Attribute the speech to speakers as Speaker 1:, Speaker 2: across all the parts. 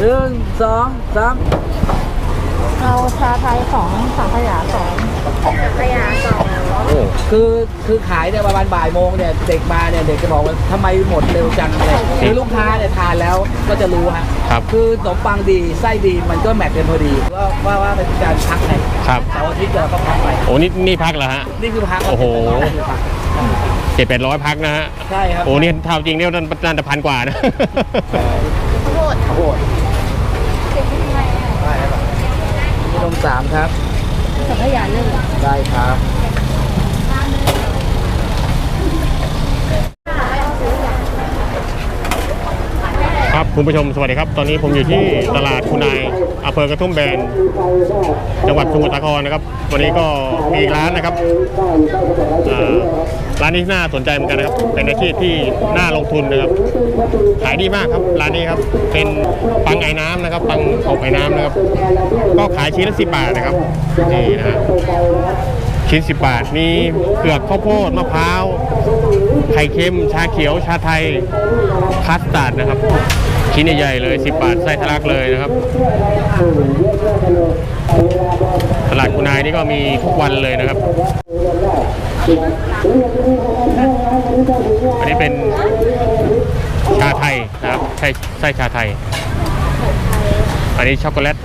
Speaker 1: 1 2 3
Speaker 2: เอาชาไทย2สังขยา2สังขยา2
Speaker 1: คือขายเนี่ยประมาณบ่ายโมงเนี่ยเด็กมาเนี่ยเด็กจะบอกว่าทำไมหมดเร็วจังอะไรคือลูกค้าเนี่ยทานแล้วก็จะรู้ฮะคือขนมปังดีไส้ดีมันก็แมทกันพอดีว่าเป็นการพักไง
Speaker 3: ครับ
Speaker 1: เสาร์อาทิตย์เราก็พักไป
Speaker 3: โอ้นี่พักเหรอฮะ
Speaker 1: นี่คือพัก
Speaker 3: โอ้โห700-800พักนะฮะ
Speaker 1: ใช่ครับ
Speaker 3: โอ้นี่เท่าจริงเนี่ยน่าจะ1,000 กว่านะ
Speaker 1: โหดนี่นม3ครับ
Speaker 2: สังขยา1
Speaker 1: ได้ครับ
Speaker 3: ครับคุณผู้ชมสวัสดีครับตอนนี้ผมอยู่ที่ตลาดคุณนายอำเภอกระทุ่มแบนจังหวัดสมุทรสาครนะครับวันนี้ก็มีอีกร้านนะครับร้านนี้น่าสนใจเหมือนกันนะครับเป็นอาชีพที่น่าลงทุนนะครับขายดีมากครับร้านนี้ครับเป็นปังไอ้น้ำนะครับปังอบไอ้น้ำนะครับก็ขายชิ้นละ10 บาทนะครับนี่นะฮะชิ้น10 บาทมีเผือกข้าวโพดมะพร้าวไข่เค็มชาเขียวชาไทยคัสตาร์ดนะครับชิ้นใหญ่ๆเลย10 บาทไส้ทะลักเลยนะครับตลาดคุณนายนี่ก็มีทุกวันเลยนะครับอันนี้เป็นชาไทยนะครับไส้ชาไทยอันนี้ช็อกโกแลต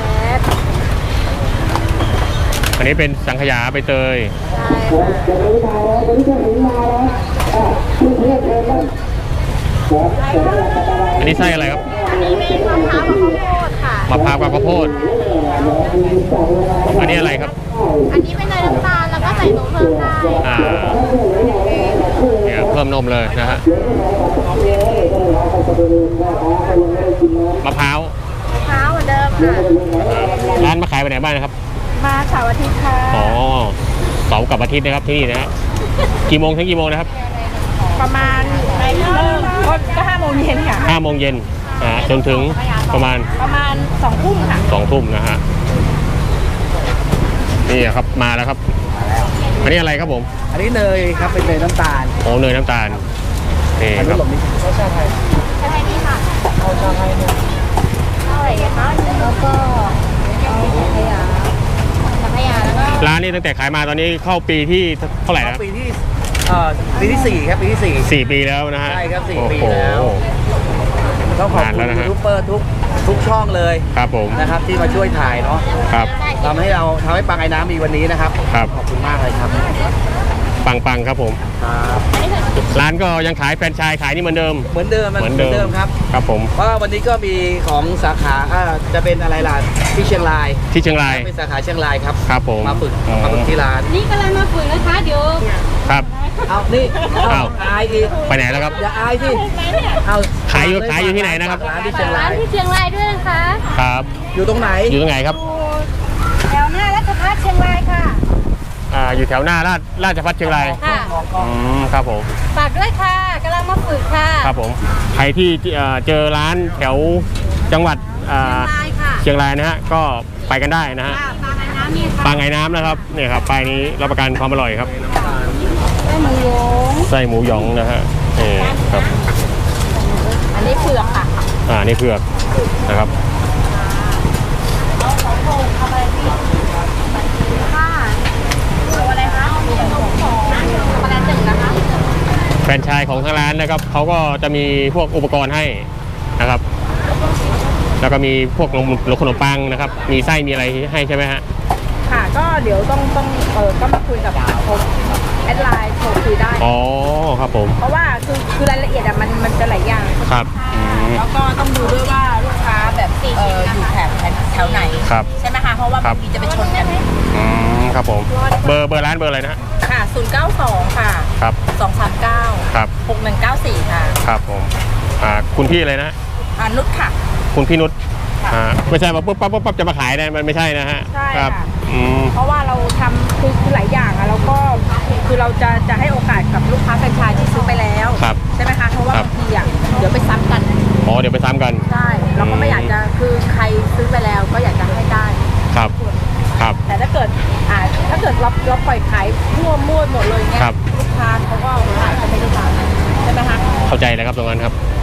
Speaker 3: อันนี้เป็นสังขยาใบเตยอันนี้ไส้อะไรครับ
Speaker 2: อันนี้เป็นมะพร้าวกับข้าวโพดค่ะ
Speaker 3: มะพร้าวกับข้าวโพดอันนี้อะไรครับ
Speaker 2: อันนี้เป็นเนยน้ำตาลแล้วก็ใส่นมเพิ่มได้
Speaker 3: เนี่ยเพิ่มนมเลยนะฮะมะพร้าว
Speaker 2: เหมือนเดิมค่ะ
Speaker 3: ร้านมาขายไปไหนบ้างนะครับ
Speaker 2: มาเสาร์อาทิตย์ค่ะ
Speaker 3: อ๋อเสาร์กับอาทิตย์นะครับที่นี่นะฮะกี่โมงถึงกี่โมงนะครับ
Speaker 2: ประมาณก็5 โมงเย็นค่ะ
Speaker 3: 5 โมงเย็นจนถึงประมาณ
Speaker 2: 2 ทุ่มค่ะ
Speaker 3: 2 ทุ่มนะฮะนี่ครับมาแล้วครับอันนี้อะไรครับผม
Speaker 1: อันนี้เนยครับเป็นเนยน้ำตาล
Speaker 3: โอ้เนยน้ำตาลนี่ครับ
Speaker 1: ชาไทย
Speaker 2: นี่ค่ะ
Speaker 1: เอาชาไทยเนี่ย
Speaker 2: อะไรคะแล้วก็สังขยาแล้วก็
Speaker 3: ร้านนี้ตั้งแต่ขายมาตอนนี้เข้าปีที่เท่าไหร่แล้ว
Speaker 1: ปีที่4ครับปีที่
Speaker 3: 4 ปีแล้วนะฮะ
Speaker 1: ใช่ครับ4 ปีแล้วต้องขอบคุณยูทูบเบอร์ทุกช่องเลย
Speaker 3: ครับผม
Speaker 1: นะครับที่มาช่วยถ่ายเนาะ
Speaker 3: ครับ
Speaker 1: ทำให้ปังไอ้น้ำมีวันนี้นะครับ
Speaker 3: ครับ
Speaker 1: ขอบคุณมากเลยครับ
Speaker 3: ปังครับผม
Speaker 1: ครับ
Speaker 3: ร้านก็ยังขายแฟรนไชส์ขายนี่เหมือนเดิมครับครับผม
Speaker 1: เพราะวันนี้ก็มีของสาขาจะเป็นอะไรล่ะที่เชียงรายเป็นสาขาเชียงรายครับ
Speaker 3: ครับผม
Speaker 1: มาฝึกที่ร้าน
Speaker 2: นี่กำลังมาฝึกนะคะเดี๋ยว
Speaker 3: ครับ
Speaker 1: เอานี่อายอีก
Speaker 3: ไปไหนแล้วครับ
Speaker 1: อย่าอายสิเอา
Speaker 3: ขายอยู่ที่ไหนนะครับ
Speaker 1: ร้านที่เชียง
Speaker 2: รายด้วยนะคะ
Speaker 3: ครับ
Speaker 1: อยู่ตรงไหน
Speaker 3: ครับ
Speaker 2: แถวหน้าราชภัฏเชียงรายค่ะ
Speaker 3: อยู่แถวหน้าราชภัฏเชียงราย
Speaker 2: ค่ะ
Speaker 3: ครับผม
Speaker 2: ฝากด้วยค่ะกำลังมาฝึกค่ะ
Speaker 3: ครับผมใครที่เจอร้านแถวจังหวัดเชียงรายนะฮะก็ไปกันได้นะฮะปังไอ้น้ำนะครับเนี่ยครับป้ายนี้รับประกันความอร่อยครับไส้หมูหยองนะฮะนี่ครับ
Speaker 2: อันนี้เผือกค่ะ
Speaker 3: นี่เผือกนะครับแฟรนไชส์ของทางร้านนะครับเขาก็จะมีพวกอุปกรณ์ให้นะครับแล้วก็มีพวกขนมปังนะครับมีไส้มีอะไรให้ใช่ไหมฮะ
Speaker 2: ค่ะก็เดี๋ยวต้องก็มาคุยกับผมแอดไลน์โทรคุยได้
Speaker 3: อ๋อครับผม
Speaker 2: เพราะว่าคือรายละเอียดมันจะหลายอย่าง
Speaker 3: ครับ
Speaker 2: แล้วก็ต้องดูด้วยว่าลูกค้าแบบอยู่แถวไหนใช่ไหมคะเพราะว่าบางทีจะไปชนกัน
Speaker 3: ครับผมเบอร์ร้านเบอร์อะไรนะ
Speaker 2: ค่ะ092ค่ะ
Speaker 3: ครับ
Speaker 2: 239
Speaker 3: ครับ
Speaker 2: 6194ค่ะ
Speaker 3: ครับผมคุณพี่อะไรนะ
Speaker 2: นุชค่ะ
Speaker 3: คุณพี่นุชไม่ใช่มาปุ๊บปั๊บจะมาขายนะมันไม่ใช่นะฮะ
Speaker 2: ใช่ครับเพราะว่าเราทำคือหลายอย่างแล้วก็คือเราจะให้โอกาสกับลูกค้าแฟรนไชส์ที่ซื้อไปแล้วใช่ไหมคะเพราะว่าบางทีเดี๋ยวไปซ้ำกัน
Speaker 3: เดี๋ยวไปซ้ำกัน
Speaker 2: ใช่เราก็ไม่อยากจะคือใครซื้อไปแล้วก็อยากจะให้ได้
Speaker 3: ครับ
Speaker 2: แต่ถ้าเกิดเราปล่อยขายมั่วหมดเลยเงี้ยลูกค้าเขาก็ขายไม่ได้ตามใช่ไหมคะ
Speaker 3: เข้าใจแล้วครับตรงนั้นครับ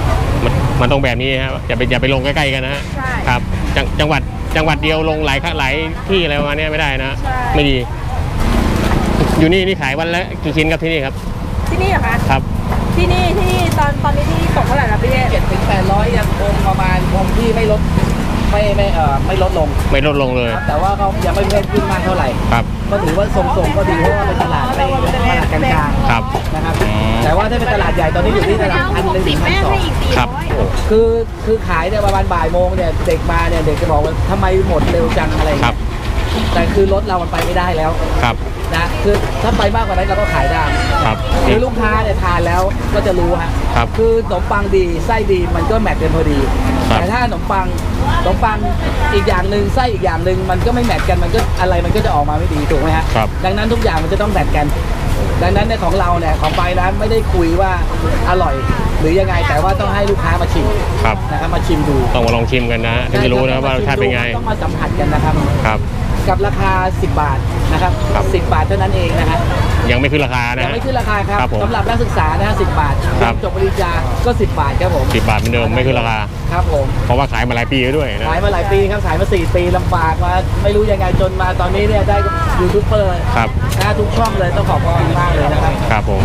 Speaker 3: มันต้องแบบนี้ครับอย่าไปลงใกล้ๆกันนะฮะ
Speaker 2: ใช่
Speaker 3: ครับจังหวัดเดียวลงหลายที่อะไรประมาณนี้ไม่ได้นะ
Speaker 2: ใช่
Speaker 3: ไม่ดี อยู่นี่ขายวันละกี่ชิ้นครับที่นี่ครับ
Speaker 2: ที่นี่เหรอคะ
Speaker 3: ครับ
Speaker 2: ที่นี่ตอนนี้ที่ตกเท่าไหร่ละพี่เอ๊
Speaker 1: 700-800ยังคงประมาณคงที่ไม่ลดไม่ลดลง
Speaker 3: ไม่ลดลงเลย
Speaker 1: ครับแต่ว่าเขายังไม่เพิ่มขึ้นมากเท่าไหร่
Speaker 3: ครับ
Speaker 1: ก็ถือว่าทรงๆก็ดีเพราะว่าเป็นตลาดไม่ตลาดกลาง
Speaker 3: ครับ
Speaker 1: ๆนะครับแต่ว่าถ้าเป็นตลาดใหญ่ตอนนี้อยู่ที่ตลาด1,000-1,200
Speaker 3: ครับ
Speaker 1: คือขายเนี่ยประมาณบ่ายโมงเนี่ยเด็กมาเนี่ยเด็กจะบอกว่าทำไมหมดเร็วจังอะไรอย่าง
Speaker 3: ครั
Speaker 1: เงี้
Speaker 3: บ
Speaker 1: ยแต่คือรถเรามันไปไม่ได้แล้ว
Speaker 3: ครับ
Speaker 1: นะคือถ้าไปมากกว่านั้นเราก็ขายได้
Speaker 3: ครับ
Speaker 1: คือลูกค้าเนี่ยทานแล้วก็จะรู้ฮะ
Speaker 3: ครับ
Speaker 1: คือขนมปังดีไส้ดีมันก็แมทกันพอดี
Speaker 3: ครับ
Speaker 1: แต่ถ้าขนมปังอีกอย่างหนึ่งไส้อีกอย่างหนึ่งมันก็ไม่แมทกันมันก็อะไรมันก็จะออกมาไม่ดีถูกไหมฮะ
Speaker 3: ครับ
Speaker 1: ดังนั้นทุกอย่างมันจะต้องแมทกัน ดังนั้นในของเราเนี่ยของไปร้านไม่ได้คุยว่าอร่อย หรือยังไงแต่ว่าต้องให้ลูกค้ามาชิม
Speaker 3: ครับ
Speaker 1: นะครับมาชิมดู
Speaker 3: ต้องมาลองชิมกันนะถึงจะรู้นะว่ารสชาติเป็นไง
Speaker 1: ต้องมาสัมผัสกันนะครับ
Speaker 3: ครับ
Speaker 1: กับราคา 10 บาทนะครับ
Speaker 3: ครับ
Speaker 1: 10 บาทเท่านั้นเองนะฮะ
Speaker 3: ยังไม่ขึ้นราคานะ
Speaker 1: ยัง
Speaker 3: ฮะ
Speaker 1: ไม่ขึ้นราคาครับ
Speaker 3: ครับผม
Speaker 1: สำหรับนักศึกษานะฮะ10 บาท
Speaker 3: ครับ
Speaker 1: จบปริญญาก็ 10 บาทครับผม
Speaker 3: 10 บาทเหมือนเดิมไม่ขึ้นราคา
Speaker 1: ครับผม
Speaker 3: เพราะว่าขายมาหลายปีแล้วด้วยนะ
Speaker 1: ขายมาหลายปีครับขายมา4 ปีลำบากมาไม่รู้ยังไงจนมาตอนนี้เนี่ยได้ยูทูบเบอร์
Speaker 3: ครับ
Speaker 1: นะทุกช่องเลยต้องขอบคุณมากเลยนะครับ
Speaker 3: ครับผม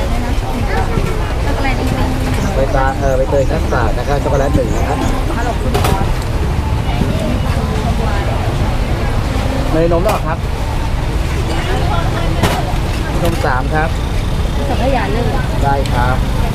Speaker 1: ใบเตยคัสตาร์ดนะครับช็อกโกแลต1นะครับเนยนมหรอครับนม3ครับ
Speaker 2: สังขยา1
Speaker 1: ได้ครับ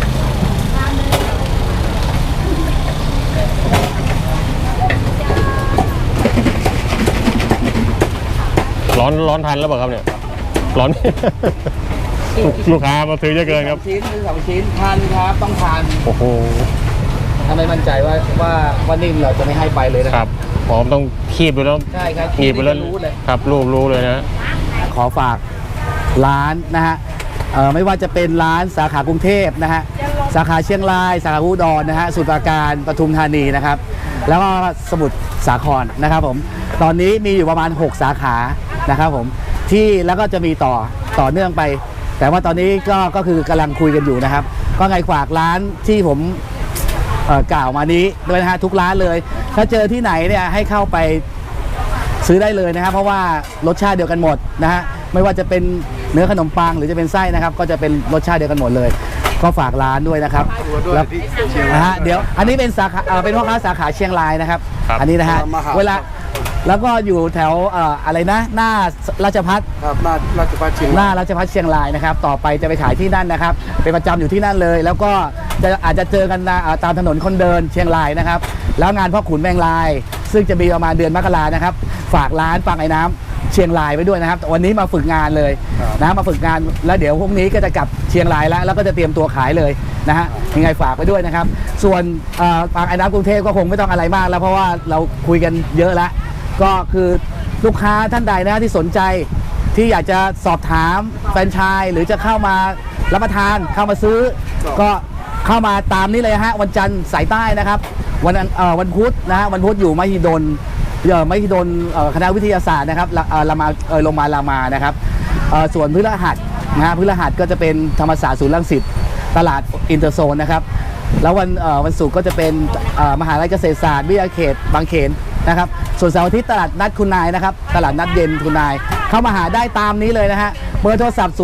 Speaker 3: ร้อนทันแล้วเปล่าครับเนี่ยร้อน ลูกค้ามาซื้อเยอะเกินครับ
Speaker 1: 2 ชิ้นทานครับต้องทาน
Speaker 3: โอ้โห
Speaker 1: ถ้าไม่มั่นใจว่านิ่มเราจะไม่ให้ไปเลยนะ
Speaker 3: ค
Speaker 1: ค
Speaker 3: รั
Speaker 1: รั
Speaker 3: บบ ผมต้องคีบดูแล้ว
Speaker 1: ใช่ครับ
Speaker 3: หนีบไปแล้ว
Speaker 1: รู้เลย
Speaker 3: ครับรู้เลยนะ
Speaker 1: ขอฝากร้านนะฮะไม่ว่าจะเป็นร้านสาขากรุงเทพนะฮะสาขาเชียงรายสาขาอุดรนะฮะสมุทรปราการปทุมธานีนะครับแล้วก็สมุทรสาครนะครับผมตอนนี้มีอยู่ประมาณ6 สาขานะครับผมที่แล้วก็จะมีต่อเนื่องไป แต่ว่าตอนนี้ก็คือกำลังคุยกันอยู่นะครับ ก็ไงฝากร้านที่ผมกล่าวมานี้ด้วยนะฮะทุกร้านเลย ถ้าเจอที่ไหนเนี่ยให้เข้าไปซื้อได้เลยนะครับเพราะว่ารสชาติเดียวกันหมดนะฮะไม่ว่าจะเป็นเนื้อขนมปังหรือจะเป็นไส้นะครับก็จะเป็นรสชาติเดียวกันหมดเลย ก็ฝากร้านด้วยนะครับแล้วนะฮะเดี๋ยวอันนี้เป็นสาขาเป็นพ่อค้าสาขาเชียงรายนะครับ
Speaker 3: ครับ
Speaker 1: อันนี้นะฮะเวลาแล้วก็อยู่แถวอะไรนะหน้าราชพัฒ
Speaker 4: ครับหน้าราชพัฒเชียง
Speaker 1: หน้าราชพัฒเชียงรายนะครับต่อไปจะไปขายที่นั่นนะครับเป็นประจำอยู่ที่นั่นเลย แล้วก็อาจจะเจอกันตามถนนคนเดินเชียงรายนะครับแล้วงานพ่อขุนแมงลาย ซึ่งจะมีประมาณเดือนมกรานะครับฝากร้านปังไอ้น้ำเชียงรายไว้ด้วยนะครับวันนี้มาฝึกงานเลยนะมาฝึกงานแล้วเดี๋ยวพรุ่งนี้ก็จะกลับเชียงรายแล้วก็จะเตรียมตัวขายเลยนะฮะยังไงฝากไว้ด้วยนะครับส่วนปังไอ้น้ำกรุงเทพก็คงไม่ต้องอะไรมากแล้วเพราะว่าเราคุยกันเยอะแล้วก็คือลูกค้าท่านใดนะที่สนใจที่อยากจะสอบถามแฟรนไชส์หรือจะเข้ามารับประทานเข้ามาซื้อก็เข้ามาตามนี้เลยฮะวันจันทร์สายใต้นะครับวันพุธนะฮะวันพุธอยู่มหิดลคณะวิทยาศาสตร์นะครับโรงพยาบาลรามานะครับส่วนพฤหัสนะฮะพฤหัสก็จะเป็นธรรมศาสตร์ศูนย์รังสิตตลาดอินเตอร์โซนนะครับแล้ววันศุกร์ก็จะเป็นมหาวิทยาลัยเกษตรศาสตร์วิทยาเขตบางเขนนะครับส่วนเสาร์อาทิตย์ตลาดนัดคุณนายนะครับตลาดนัดเย็นคุณนายเข้ามาหาได้ตามนี้เลยนะฮะเบอร์โทรศัพท์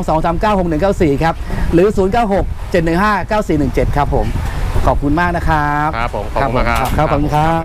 Speaker 1: 0922396194 ครับหรือ 0967159417 ครับผมขอบคุณมากนะครับ
Speaker 3: ครับผมขอบคุณมากครับ
Speaker 1: ครับขอบคุณครับ